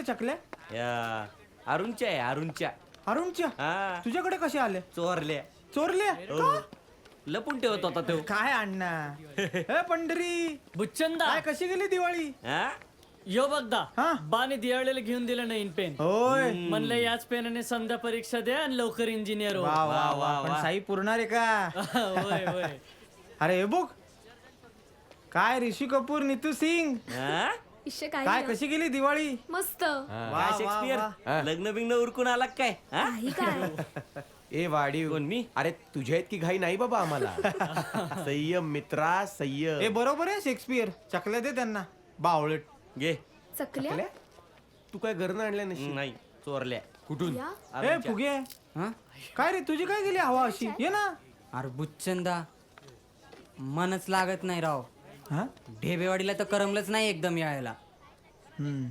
चकल्या? या अरुणच्या आहे अरुणच्या. अरुणच्या? हा तुझ्याकडे कसे आले? चोरल्या. चोरल्या? हो. लपून ठेवत होता तो. काय अण्णा? हे पंढरी, बुच्चंदा काय कशी गेली दिवाळी? हा? यो बघदा हा? बाने दिवाळीला घेऊन दिलं नाही पेन. होय. म्हणलं याच पेनाने समजा परीक्षा द्या आणि लवकर इंजिनियर हो. वा वा वा. वा, पण वा. साई पुरणार आहे का? होय होय. अरे हे बघ, काय ऋषी कपूर, नीतू सिंग, हा? इश्य काय काय कशी गेली दिवाळी? मस्त वा, काय वा, शेक्सपियर लग्न बिग्न उरकून आला का काय? हा? काही काय ए वाढीव कोण मी? अरे तुझ्या इतकी घाई नाही बाबा आम्हाला. संयम मित्रा हे संयम. बरोबर आहे शेक्सपियर. चकल्या दे त्यांना, बावळट. घे. चकल्या चकल्या? तू काय घरनं आणल्या नशी? नाही चोरल्या. कुठून? या हे फुगे, हा? काय रे तुझी काय गेली हवा अशी? ये ना. अरे बुच्चंदा मनच लागत नाही राव. हा? ढेबेवाडीला तर करमलंच नाही एकदम यायला. हम्म.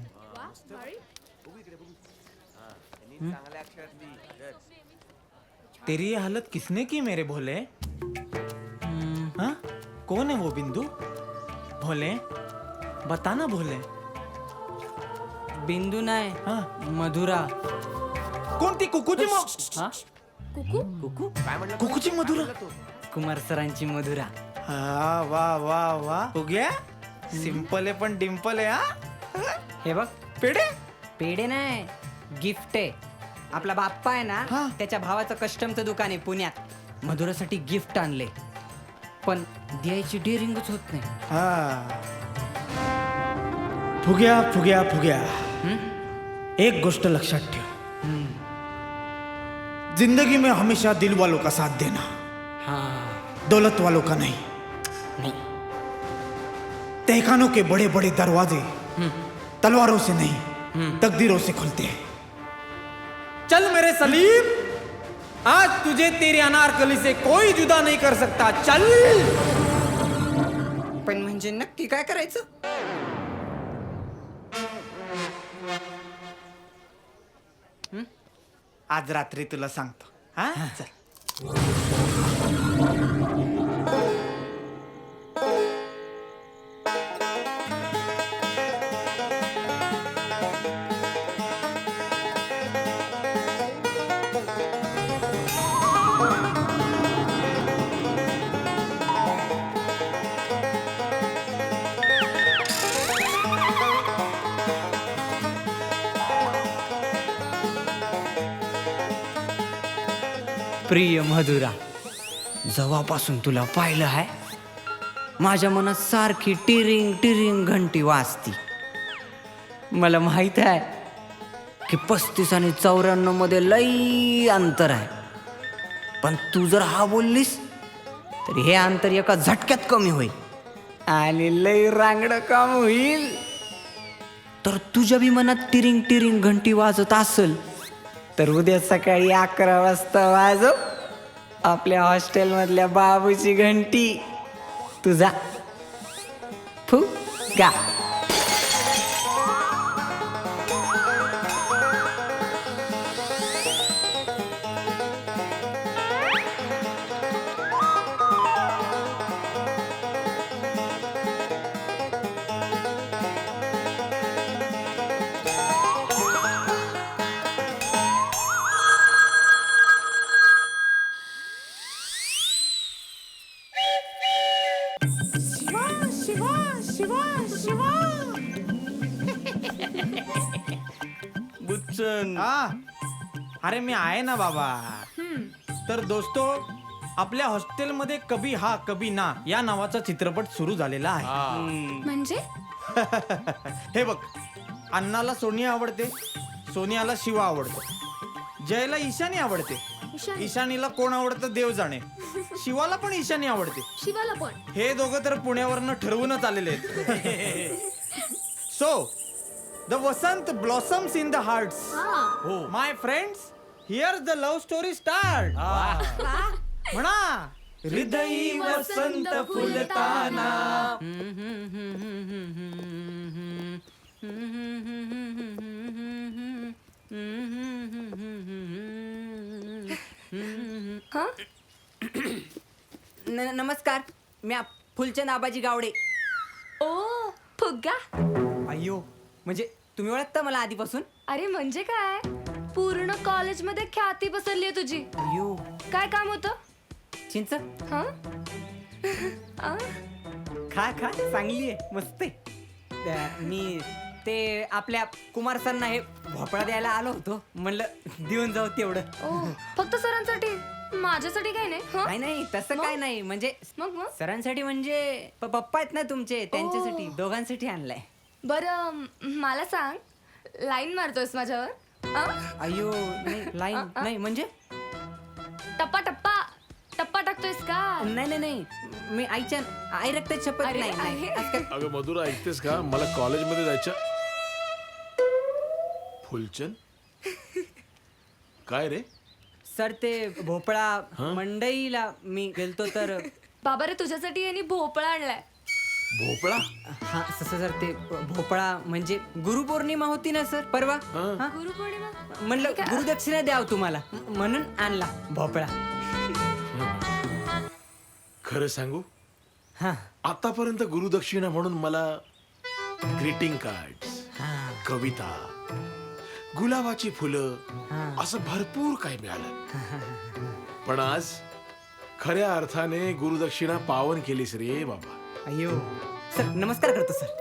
तेरी ये हालत किसने की मेरे भोले? हाँ? कौन है वो बिंदु? भोले, बताना भोले. बिंदू नाही हाँ? मधुरा. कोणती कुकूची हा? कुकू कुकूची मधुरा? कुमार सरांची मधुरा. हा वा वा वा. फुग्या, सिंपल आहे पण डिम्पल आहे हा. हे बघ पेढे? पेढे नाही गिफ्ट आहे. आपला बाप्पा आहे हा. ना त्याच्या भावाचं कस्टमचं दुकान आहे पुण्यात. मधुरासाठी गिफ्ट आणले पण द्यायची डेअरिंगच होत नाही. हा. फुग्या फुग्या फुग्या, एक गोष्ट लक्षात ठेव, जिंदगी में हमेशा दिल वालों का साथ देना, हा दौलत वालों का नहीं. तहखानों के बड़े बड़े दरवाजे तलवारों से नहीं तकदीरों से खुलते हैं. चल मेरे सलीम, आज तुझे तेरी अनारकली से कोई जुदा नहीं कर सकता. चल. पण म्हणजे नक्की काय करायचं? आज रात्री तुला सांगतो. हा चल. प्रिय मधुरा, जेव्हापासून तुला पाहिलं आहे माझ्या मनात सारखी टिरिंग टिरिंग घंटी वाजती. मला माहित आहे की 35 आणि 94 मध्ये लई अंतर आहे, पण तू जर हा बोललीस तर हे अंतर एका झटक्यात कमी होईल आणि लई रांगडं काम होईल. तर तुझ्या बी मनात टिरिंग टिरिंग घंटी वाजत असेल तर उद्या सकाळी 11 वाजता वाजव आपल्या हॉस्टेलमधल्या बाबूची घंटी. तुझा फुगा. बुच्चन. हा. अरे मी आहे ना बाबा. तर दोस्तो, आपल्या हॉस्टेलमध्ये कभी हा कभी ना या नावाचा चित्रपट सुरू झालेला आहे. म्हणजे हे बघ, अण्णाला सोनिया आवडते, सोनियाला शिवा आवडतो, जयला ईशानी आवडते, ईशानी. ईशानीला कोण आवडतं देव जाणे, शिवाला पण ईशानी आवडते. शिवाला पण हे दोघं तर पुण्यावरनं ठरवूनच आलेले आहेत. So the vasant blossoms in the hearts. हा my friends, hear the love story start. म्हणा, हृदयी वसंत फुलताना. नमस्कार, मी फुलचंद आबाजी गावडे. ओ फुग्गा अय्यो, म्हणजे तुम्ही ओळखता मला आधीपासून? अरे म्हणजे काय, पूर्ण कॉलेजमध्ये ख्याती पसरली आहे तुझी. अयो, काय काम होतं? चिंच हा खा खा, चांगली आहे, मस्त आहे. मी ते आपल्या कुमार सरांना हे भोपळा द्यायला आलो होतो, म्हणलं देऊन जाऊ तेवढं. ओ फक्त सरांसाठी, माझ्यासाठी काय नाही. हं? नाही नाही, तसं काय नाही, म्हणजे मग मग सरांसाठी म्हणजे पप्पा आहेत ना तुमचे, त्यांच्यासाठी, दोघांसाठी आणलाय. बरं मला सांग, लाईन मारतोयस माझ्यावर? अयो नाही, लाईन नाही म्हणजे? टप्पा टप्पा टप्पा टाकतोयस का? नाही नाही नाही, मी आई रक्तात शपथ अरे, नाही नाही. अरे. असं काय- अगं मधुरा, ऐकतेस का? मला कॉलेजमध्ये जायचं. फुलचंद काय रे? सर ते भोपळा मंडईला मी गेलतो तर बाबा रे, तुझ्यासाठी यांनी भोपळा आणलाय. भोपळा? हा सर ते भोपळा म्हणजे गुरुपौर्णिमा होती ना सर परवा, हा? गुरुपौर्णिमा म्हणलं गुरुदक्षिणा द्याव तुम्हाला, म्हणून आणला भोपळा. खरं सांगू, हा आतापर्यंत गुरुदक्षिणा म्हणून मला ग्रीटिंग कार्ड्स, कविता, गुलाबाची फुलं असं भरपूर काही मिळालं. पण आज खऱ्या अर्थाने गुरुदक्षिणा पावन केलीस रे बाबा. अयो सर, नमस्कार करतो सर.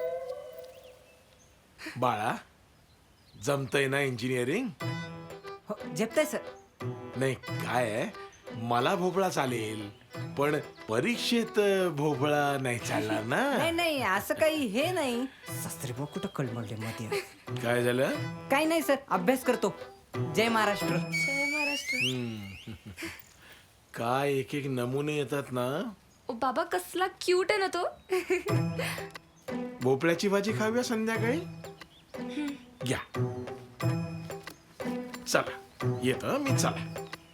बाळा, जमतंय ना इंजिनिअरिंग? हो झेपताय सर. नाही काय आहे, मला भोपळा चालेल, पण परीक्षेत भोपळा नाही चालणार ना. नाही नाही, असं काही हे नाही. शास्त्री भाऊ कुठं कळमळले मध्ये. काय झालं? काही नाही सर, अभ्यास करतो. जय महाराष्ट्र. जय महाराष्ट्र. काय एक एक नमुने येतात ना. ओ बाबा, कसला क्यूट आहे ना तो. भोपळ्याची भाजी खाऊया संध्याकाळी. घ्या. चला येतो मी. चला.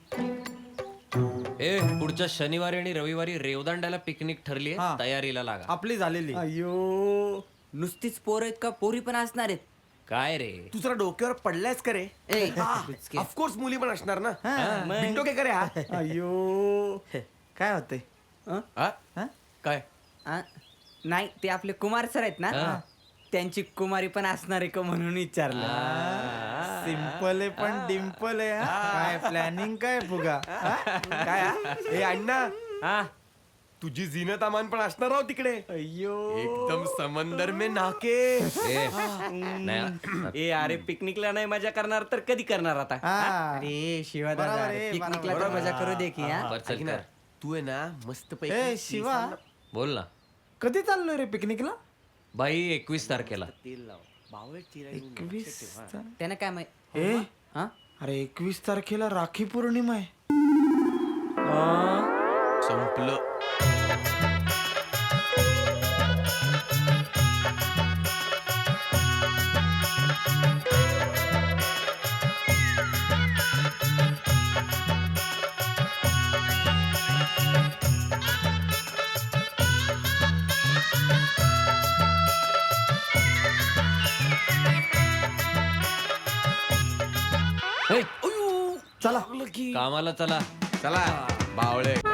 ए पुढच्या शनिवारी आणि रविवारी रेवदांड्याला पिकनिक ठरली हा. आहे, तयारीला लागा. आपली झालेली. अयो, नुसतीच पोरं आहेत का पोरी पण असणार आहेत? काय रे? तू जरा डोक्यावर पडलायस का रे? ए, ऑफकोर्स मुली पण असणार ना. मग? बिनडो काय करे हा? अयो काय होते? हा? काय? आ, नाही ते आपले कुमार सर आहेत ना, त्यांची कुमारी पण असणार आहे का म्हणून विचारलं. सिंपल आहे पण डिम्पल आहे. हा? काय प्लॅनिंग काय फुगा? काय हा? ए अण्णा, हा? तुझी झीनत अमान पण असणार आहो तिकडे. अयो एकदम समंदर में नाके. ए, नाही. ए अरे, पिकनिकला नाही मजा करणार तर कधी करणार आता? अरे शिवा दादा, बरोबर आहे, पिकनिकला तर बरोबर. मजा करू दे की. हा? बरं, चल ऐक ना, कर. तू आहे ना मस्त ए पैकी शिवा, बोल ना. कधी चाललोय रे पिकनिकला? बाई 21 तारखेला. 21 त्यानं काय माहित? ए हा? अरे 21 तारखेला राखी पौर्णिमा आहे. संपलं. ए, चला कामाला चला. चला बावळे.